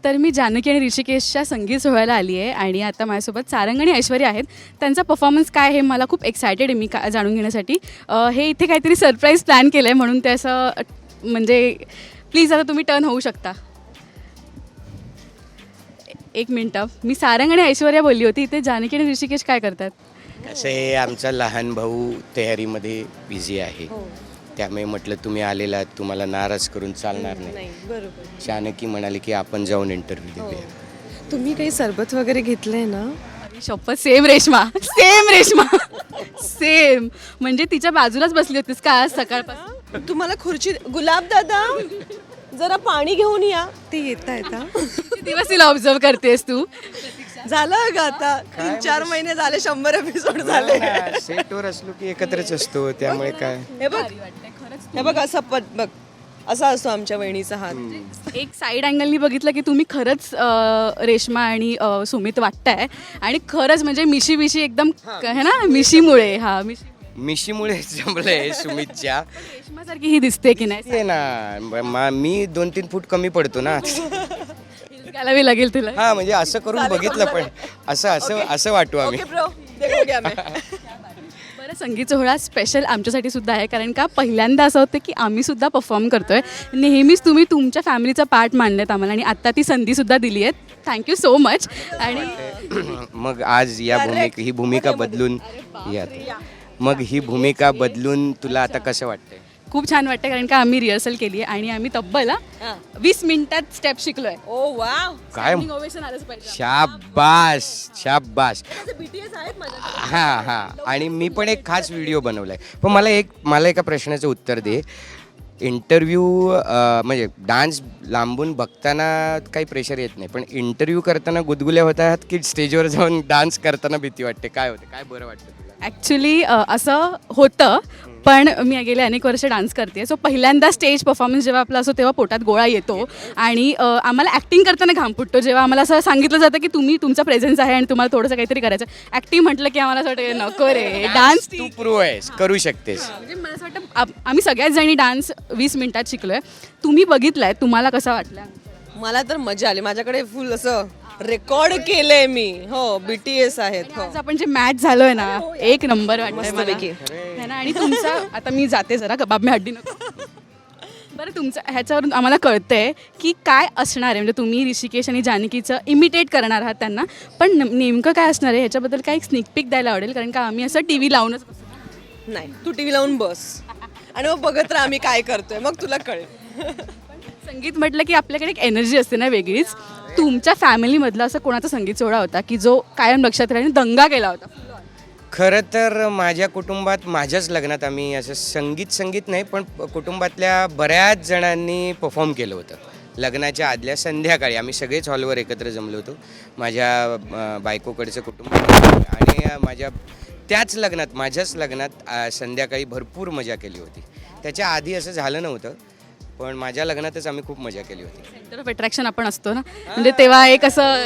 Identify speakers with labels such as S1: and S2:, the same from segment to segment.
S1: तर मी जानकी आणि ऋषिकेशच्या संगीत सोहळ्याला आली आहे आणि आता माझ्यासोबत सारंग आणि ऐश्वर्या आहेत. त्यांचा परफॉर्मन्स काय हे मला खूप एक्सायटेड आहे मी जाणून घेण्यासाठी. हे इथे काहीतरी सरप्राईज प्लॅन केलं आहे म्हणून ते असं म्हणजे प्लीज आता तुम्ही टर्न होऊ शकता. एक मिनटं, मी सारंग आणि ऐश्वर्या बोलली होती, इथे जानकी आणि ऋषिकेश काय करतात?
S2: असे आमचा लहान भाऊ तयारीमध्ये बिझी आहे, त्यामुळे म्हटलं तुम्ही आलेला तुम्हाला नाराज करून चालणार नाही.
S3: बरोबर.
S2: जानकी म्हणाले की आपण जाऊन इंटरव्ह्यू देऊया.
S3: तुम्ही काही सरबत वगैरे घेतलंय ना?
S1: शपथ, same Reshma, same Reshma, same. म्हणजे तिच्या बाजूलाच बसली होतीस का आज सकाळपासून?
S3: तुम्हाला खुर्ची गुलाब दादा जरा पाणी घेऊन या. ते येत आहेत हा.
S1: किती दिवस तिला ऑब्झर्व करतेस तू?
S3: झालं का आता 3-4 महिने झाले, 100 एपिसोड झाले.
S2: सेटवर असलो की एकत्रच असतो, त्यामुळे काय.
S3: हे बघ असं बघ असा असतो आमच्या वहिनीचा हात.
S1: एक साईड अँगलनी बघितलं की तुम्ही खरंच रेश्मा आणि सुमित वाटताय आणि खरंच म्हणजे मिशी मिशी एकदम है ना, मिशीमुळे. हा,
S2: मिशीमुळे जमलंय सुमितच्या.
S1: रेश्मासारखी ही दिसते की नाही?
S2: ते ना मी 2-3 फूट कमी पडतो ना.
S1: घालावी लागेल तुला.
S2: हा, म्हणजे असं करून बघितलं, पण असं वाटू आम्ही.
S1: बरं, संगीत सोहळा स्पेशल आमच्यासाठी सुद्धा आहे, कारण का पहिल्यांदा असं होतं की आम्ही सुद्धा परफॉर्म करतोय. नेहमीच तुम्ही तुमच्या फॅमिलीचा पार्ट मांडलेत आम्हाला आणि आत्ता ती संधीसुद्धा दिली आहे. Thank you so much. आणि
S2: मग आज ही भूमिका बदलून तुला आता कसं वाटतंय?
S1: खूप छान वाटतं, कारण का आम्ही रिहर्सल केली आहे आणि आम्ही तब्बल 20 मिनिटात स्टेप शिकलोय.
S3: ओ वाव.
S2: काय
S1: ओवेशन आलंच पाहिजे.
S2: शाबास. हा. आणि मी पण एक खास व्हिडिओ बनवलाय. पण मला एका प्रश्नाचं उत्तर दे. इंटरव्ह्यू म्हणजे डान्स लांबून बघताना काही प्रेशर येत नाही, पण इंटरव्ह्यू करताना गुदगुल्या होतात की स्टेजवर जाऊन डान्स करताना भीती वाटते? काय होते, काय बरं वाटतं तुला?
S1: ॲक्च्युली असं होतं, पण मी गेले अनेक वर्ष डान्स करते. सो पहिल्यांदा स्टेज परफॉर्मन्स जेव्हा आपला असतो तेव्हा पोटात गोळा येतो आणि आम्हाला ॲक्टिंग करताना घाम फुटतो. जेव्हा आम्हाला असं सांगितलं जातं की तुमचा प्रेझेन्स आहे आणि तुम्हाला थोडंसं काहीतरी करायचं. ॲक्टिंग म्हटलं की आम्हाला असं वाटतं नको रे, डान्स
S2: तू प्रो आहेस, करू शकतेस.
S1: म्हणजे मला असं वाटतं आम्ही सगळ्याच जणी डान्स 20 मिनिटात शिकलोय. तुम्ही बघितलाय, तुम्हाला कसा वाटला?
S3: मला तर मजा आली. माझ्याकडे फुल असं रेकॉर्ड केलंय मी. हो, BTS आहेत. हो,
S1: आज आपण जे मॅच झालोय ना, एक नंबर वाटतंय मला.
S3: मस्तपैकी.
S1: है ना. आणि तुमचा आता मी जाते जरा, कबाब मी हड्डी नको. बरं, तुमचं ह्याच्यावरून आम्हाला कळतंय की काय असणार आहे. म्हणजे तुम्ही ऋषिकेश आणि जानकीचं इमिटेट करणार आहात त्यांना, पण नेमकं काय असणार आहे ह्याच्याबद्दल काही स्निक पिक द्यायला आवडेल, कारण का आम्ही असं TV लावूनच बसतो.
S3: नाही, तू TV लावून बस आणि मग बघत राहा आम्ही काय करतोय, मग तुला कळेल.
S1: संगीत म्हटलं की आपल्याकडे एक एनर्जी असते ना वेगळीच. तुमच्या फॅमिलीमधला असं कोणाचा संगीत सोहळा होता की जो कायम लक्षात राहील, दंगा केला होता?
S2: खरं तर माझ्या कुटुंबात माझ्याच लग्नात आम्ही असं संगीत नाही, पण कुटुंबातल्या बऱ्याच जणांनी परफॉर्म केलं होतं. लग्नाच्या आदल्या संध्याकाळी आम्ही सगळेच हॉलवर एकत्र जमलो होतो. माझ्या बायकोकडचं कुटुंब आणि माझ्याच लग्नात संध्याकाळी भरपूर मजा केली होती. त्याच्या आधी असं झालं नव्हतं, पण माझ्या लग्नातच आम्ही खूप मजा केली होती.
S1: सेंटर ऑफ अट्रॅक्शन आपण असतो ना, म्हणजे तेव्हा एक असं.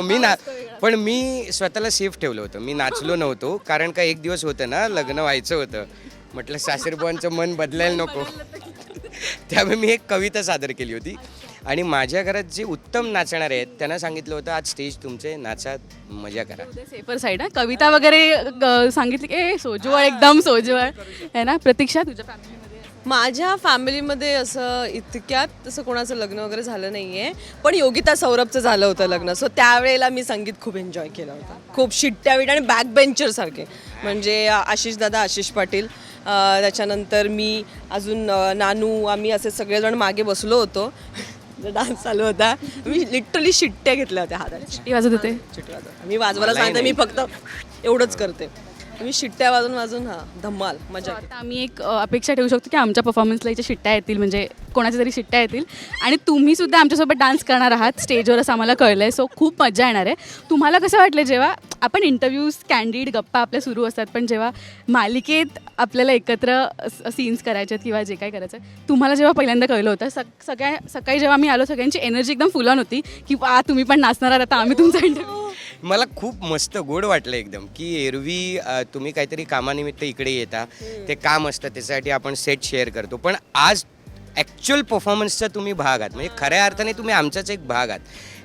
S2: पण मी स्वतःला सेफ ठेवलं होतं. मी नाचलो नव्हतो, कारण का एक दिवस होतं ना, लग्न व्हायचं होतं. म्हटलं सासरबुवांचं मन बदलायला नको. त्यामुळे मी एक कविता सादर केली होती आणि माझ्या घरात जे उत्तम नाचणारे आहेत त्यांना सांगितलं होतं, आज स्टेज तुमचे, नाचा, मजा करा.
S1: Safer side. कविता वगैरे सांगितली की सोजवळ, एकदम सोजवळ आहे ना. प्रतीक्षा, तुझ्या फॅमिलीमध्ये?
S3: माझ्या फॅमिलीमध्ये असं इतक्यात तसं कोणाचं लग्न वगैरे झालं नाहीये, पण योगिता सौरभचं झालं होतं लग्न. सो त्यावेळेला मी संगीत खूप एन्जॉय केलं होतं. खूप शिट्ट्या विट्या आणि बॅक बेंचर सारखे, म्हणजे आशिष पाटील, त्याच्यानंतर मी, अजून नानू, आम्ही असे सगळेजण मागे बसलो होतो. डान्स चालू होता, मी लिटरली शिट्ट्या घेतल्या होत्या हातात.
S1: शिट्टी वाजत होते?
S3: शिट्टी वाजत मी वाजवायला सांगते, मी फक्त एवढंच करते. मी शिट्ट्या वाजून धम्माल मजा.
S1: आता आम्ही एक अपेक्षा ठेवू शकतो की आमच्या परफॉर्मन्सला इथे शिट्ट्या येतील, म्हणजे कोणाच्या तरी शिट्ट्या येतील आणि तुम्ही सुद्धा आमच्यासोबत डान्स करणार आहात स्टेजवर, असं आम्हाला कळलं आहे. सो खूप मजा येणार आहे. तुम्हाला कसं वाटलं जेव्हा आपण इंटरव्ह्यूज, कॅन्डिड गप्पा आपल्या सुरू असतात, पण जेव्हा मालिकेत आपल्याला एकत्र सीन्स करायचे आहेत किंवा जे काय करायचं आहे, तुम्हाला जेव्हा पहिल्यांदा कळलं होतं? सकाळी जेव्हा आम्ही आलो, सगळ्यांची एनर्जी एकदम फुल ऑन होती की तुम्ही पण नाचणार आहात, आता आम्ही तुमचा इंटरव्ह्यू.
S2: मला खूप मस्त गोड वाटलं एकदम, की एरवी तुम्ही काहीतरी कामानिमित्त इकडे येता, ते काम असतं, त्याच्यासाठी आपण सेट शेअर करतो, पण आज ॲक्च्युअल परफॉर्मन्सचा तुम्ही भाग आहात, म्हणजे खऱ्या अर्थाने तुम्ही आमचाच एक भाग आहात.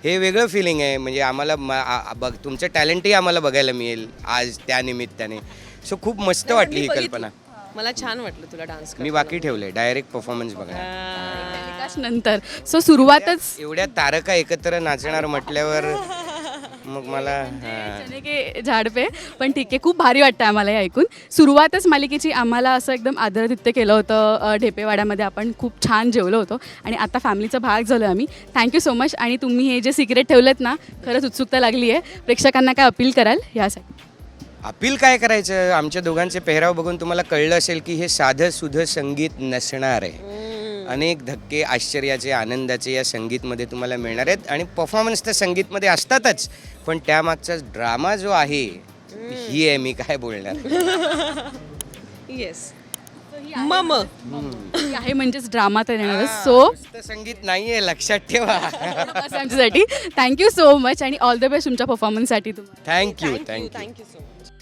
S2: हे वेगळं फिलिंग आहे. म्हणजे आम्हाला तुमचं टॅलेंटही आम्हाला बघायला मिळेल आज त्या निमित्ताने. सो खूप मस्त वाटली ही कल्पना.
S3: मला छान वाटलं तुला डान्स
S2: मी बाकी ठेवले डायरेक्ट परफॉर्मन्स बघा.
S1: नंतर सो सुरुवातच
S2: एवढ्या तारका एकत्र नाचणार म्हटल्यावर मग मला
S1: चने के झाड पे. पण ठीक आहे, खूप भारी वाटतं आम्हाला हे ऐकून. सुरुवातच मालिकेची आम्हाला असं एकदम आदरातिथ्य केलं होतं ढेपेवाड्यामध्ये. आपण खूप छान जेवलो होतो आणि आता फॅमिलीचा भाग झालो आम्ही. Thank you so much. आणि तुम्ही हे जे सिक्रेट ठेवलेत ना, खरंच उत्सुकता लागली आहे. प्रेक्षकांना काय अपील कराल यासाठी?
S2: अपील काय करायचं, आमच्या दोघांचे पेहराव बघून तुम्हाला कळलं असेल की हे साधं सुधं संगीत नसणार आहे. अनेक धक्के आश्चर्याचे आनंदाचे या संगीतमध्ये तुम्हाला मिळणार आहेत. आणि परफॉर्मन्स तर संगीतमध्ये असतातच, पण त्यामागचा ड्रामा जो आहे ही आहे. मी काय बोलणार.
S3: येस मम
S1: ही आहे म्हणजेच ड्रामा तर येणारच. सो
S2: नुसतं संगीत नाहीये, लक्षात ठेवा.
S1: आमच्यासाठी थँक्यू सो मच आणि ऑल द बेस्ट तुमच्या परफॉर्मन्ससाठी. तुम्हाला
S2: थँक्यू.
S3: Thank you so much.